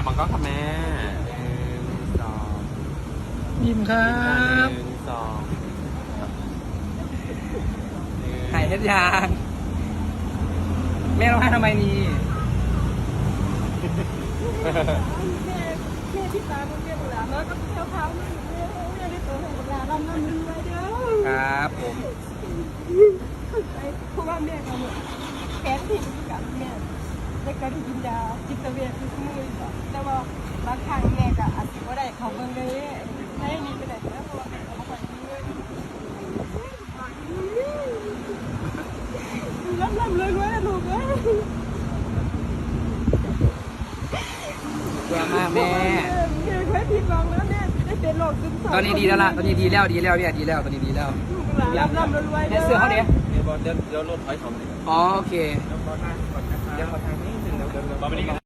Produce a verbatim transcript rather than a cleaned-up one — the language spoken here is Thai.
มันก็ค่ะแม่หนึ่งสองยิ้มครัหบนึ่งสองหายเฮ็ดยางแม่ร้องไห้ทำไมนี่แม่แม่ที่ตาเรียกหลานแล้วก็เท้าเท้าแม่แม่ได้ตัวของหลานเรานั่งนึงไว้เด้อครับผมเพราะว่าแม่เราแค้นที่กับแม่ได้การกินยาจิตเวชทุกมื้อแต่ว่าบางครั้งแม่ก็อาจจะไม่ได้เขาเบิ่งเลยให้นี่ไปไหนแล้วเพราะว่าแม่เขาบ่ค่อยมีเงินร่ำร่ำรวยรวยนะลูกเอ้ยเบื่อมากแม่แม่เคยผิดหวังแล้วแม่ได้เป็นโรคซึมเศร้าตอนนี้ดีแล้วล่ะ ตอนนี้ดีแล้วดีแล้วเนี่ยดีแล้วตอนนี้ดีแล้วร่ำร่ำรวยรวยเนี่ยเสื้อเขาเนี้ยเดี๋ยวเดี๋ยวรถถอยถอยอ๋อโอเคเดี๋ยวขอทางก่อนนะคะเดี๋ยวขอทางนี้หนึ่งเดี๋ยวเดี๋ยว